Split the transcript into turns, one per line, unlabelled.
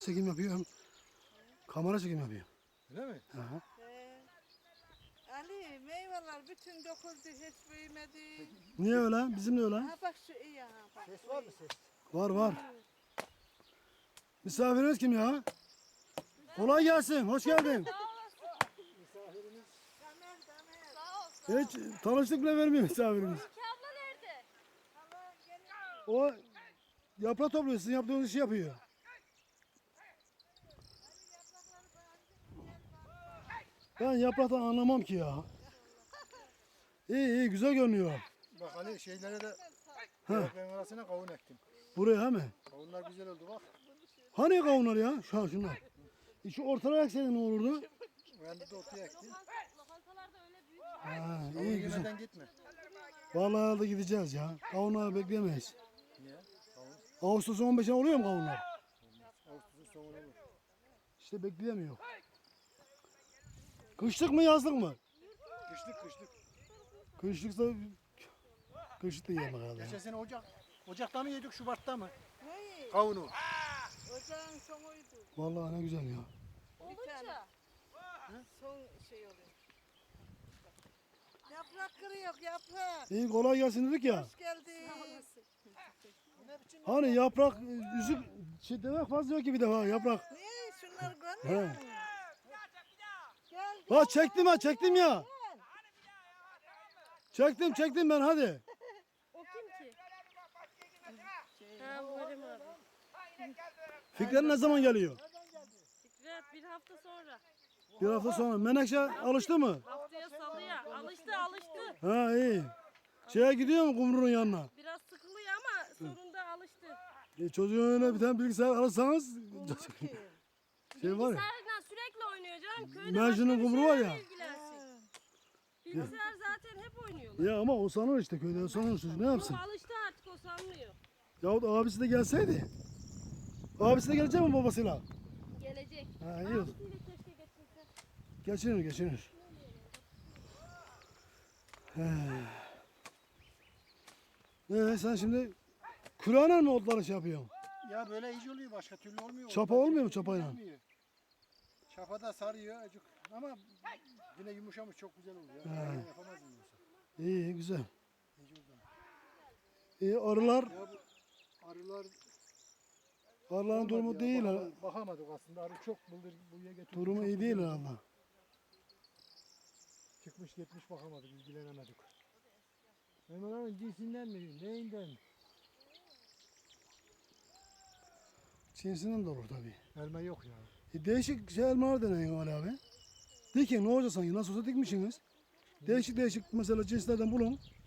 Çekim yapıyor hem kamera çekim yapıyor.
Öyle mi?
Aha.
Ali meyveler bütün dokundu hiç büyümedi.
Niye öyle? Bizim de öyle.
Ha bak şu iyi ha bak.
Ses var mı ses?
Var var. Misafiriniz kim ya? Kolay gelsin. Hoş geldin.
Damer damer.
Hiç tanıştık bile vermiyor misafirimiz.
Ki abla nerede?
Allah gene
O yaprak topluyor. Sizin yaptığınız işi yapıyor. Ben yapraktan anlamam ki ya. İyi iyi güzel görünüyor.
Bak Ali şeylere de
Ha.
yaprakların arasına kavun ektim.
Buraya he mi?
Kavunlar güzel oldu bak.
Hani kavunlar ya? Şunlar. Şu ortalara ekseydin ne olurdu?
Ben de ortaya ektim.
Lokantalarda öyle büyük.
Ha,
Kavun
iyi güzel.
yemeden gitme.
Vallahi da gideceğiz ya. Kavunları bekleyemeyiz.
Niye? Kavun
Ağustos'un 15'ine oluyor mu kavunlar?
Ağustos'un sonuna olur.
İşte bekleyemiyor. Kışlık mı yazlık mı?
Kışlık kışlık.
Kışlıksa kışlık da yiyemem herhalde.
Geçen sene Ocak'ta mı yedik Şubat'ta mı?
neyi?
Kavunu.
Ocağın sonuydu.
Vallahi ne güzel ya.
Olunca.
Son şey oluyor. Yaprak kırıyor yaprak.
İyi kolay gelsin dedik ya.
Hoş geldin.
Hani yaprak üzük şey demek fazla yok ki bir defa yaprak.
Niye şunları görmüyor
He.
musun? Gel
Ha çektim ha çektim ya. Çektim ben hadi.
O kim ki? Ha Muharrem abi.
Fikret ne zaman geliyor?
Fikret bir hafta sonra.
Bir hafta sonra. Menekşe alıştı mı?
Haftaya salıya. Alıştı.
Ha iyi. Şeye gidiyor mu kumrunun yanına?
Biraz sıkılıyor ama sonunda alıştı.
Çocuğun önüne bir tane bilgisayar alırsanız şey var ya.
Bilgisayarla sürekli oynuyor canım. Köyde
Mersin'in
başka bir
kumru var
şeylerle
ya.
ilgilensin. Bilgisayar zaten hep oynuyorlar.
Ya ama o sanır işte köyde sanır çocuk ne yapsın?
Ama alıştı artık o sanmıyor.
Yahut abisi de gelseydi. Abisi de gelecek mi babasıyla?
Gelecek.
Ha iyi.
Abisiyle keşke getirse.
Geçinir. Sen şimdi Kur'an'a mı otları şey yapıyorsun?
Ya böyle iyice oluyor başka türlü olmuyor.
Çapa olmuyor mu çapayla?
Olmuyor. Çapa da sarıyor acık ama yine yumuşamış çok güzel oluyor. Ben yapamazdım yoksa.
İyi güzel.
İyice oldu.
İyi arılar,
Ya bu arılar
arıların durumu
olmadı ya,
değil ha.
bakamadık aslında. Arı çok bıldır buraya getirdik.
Durumu
çok
iyi değil
güzel.
herhalde.
Çıkmış gitmiş bakamadık, ilgilenemedik. Elmaların cinsinden mi, neyinden mi?
Cinsinden de olur tabii.
Elma yok ya.
Değişik şey elmalar deneyin Ali abi. Dikin ne olacak sanki nasıl olsa dikmişsiniz. Değişik mesela cinslerden bulun.